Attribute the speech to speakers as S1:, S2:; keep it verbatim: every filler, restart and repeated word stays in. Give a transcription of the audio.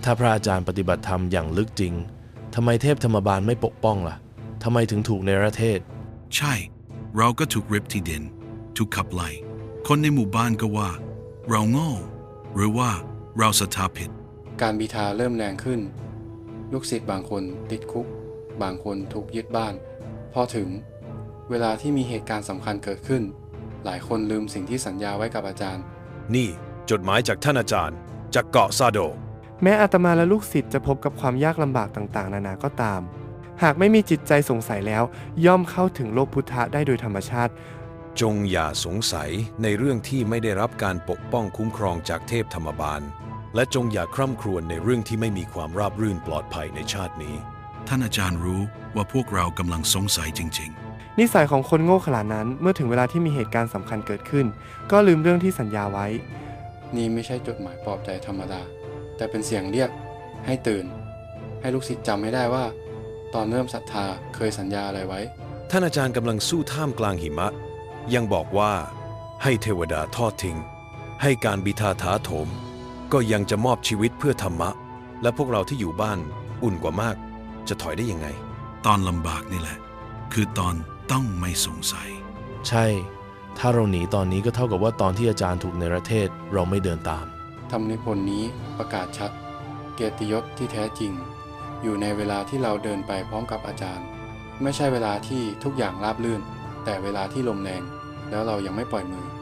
S1: ถ้าพระอาจารย์ปฏิบัติธรรมอย่างลึกจริงทำไมเทพธรรมบาลไม่ปกป้องล่ะทำไมถึงถูกเนรเทศ
S2: ใช่เราก็ถูกริบที่ดินถูกขับไล่คนในหมู่บ้านก็ว่าเราโง่หรือว่าเราศรัทธาผิด
S3: การบีทาเริ่มแรงขึ้นลูกศิษย์บางคนติดคุกบางคนถูกยึดบ้านพอถึงเวลาที่มีเหตุการณ์สำคัญเกิดขึ้นหลายคนลืมสิ่งที่สัญญาไว้กับอาจารย์
S4: นี่จดหมายจากท่านอาจารย์จากเกาะซาโด
S5: แม้อาตมาและลูกศิษย์จะพบกับความยากลำบากต่างๆนานาก็ตามหากไม่มีจิตใจสงสัยแล้วย่อมเข้าถึงโลกพุทธะได้โดยธรรมชาติ
S4: จงอย่าสงสัยในเรื่องที่ไม่ได้รับการปกป้องคุ้มครองจากเทพธรรมบาลและจงอย่าคร่ำครวญในเรื่องที่ไม่มีความราบรื่นปลอดภัยในชาตินี้
S2: ท่านอาจารย์รู้ว่าพวกเรากำลังสงสัยจริง
S5: ๆนิสัยของคนโง่ขนาดนั้นเมื่อถึงเวลาที่มีเหตุการณ์สำคัญเกิดขึ้นก็ลืมเรื่องที่สัญญาไว้
S3: นี่ไม่ใช่จดหมายปลอบใจธรรมดาแต่เป็นเสียงเรียกให้ตื่นให้ลูกศิษย์จำให้ได้ว่าตอนเริ่มศรัทธาเคยสัญญาอะไรไว้
S4: ท่านอาจารย์กำลังสู้ท่ามกลางหิมะยังบอกว่าให้เทวดาทอดทิ้งให้การบิทาถาโถมก็ยังจะมอบชีวิตเพื่อธรรมะและพวกเราที่อยู่บ้านอุ่นกว่ามากจะถอยได้ยังไง
S2: ตอนลำบากนี่แหละคือตอนต้องไม่สงสัย
S1: ใช่ถ้าเราหนีตอนนี้ก็เท่ากับว่าตอนที่อาจารย์ถูกเนรเทศเราไม่เดินตาม
S3: ธรรมนิพนธ์นี้ประกาศชัดเกียรติยศที่แท้จริงอยู่ในเวลาที่เราเดินไปพร้อมกับอาจารย์ไม่ใช่เวลาที่ทุกอย่างราบรื่นแต่เวลาที่ลมแรงแล้วเรายังไม่ปล่อยมือ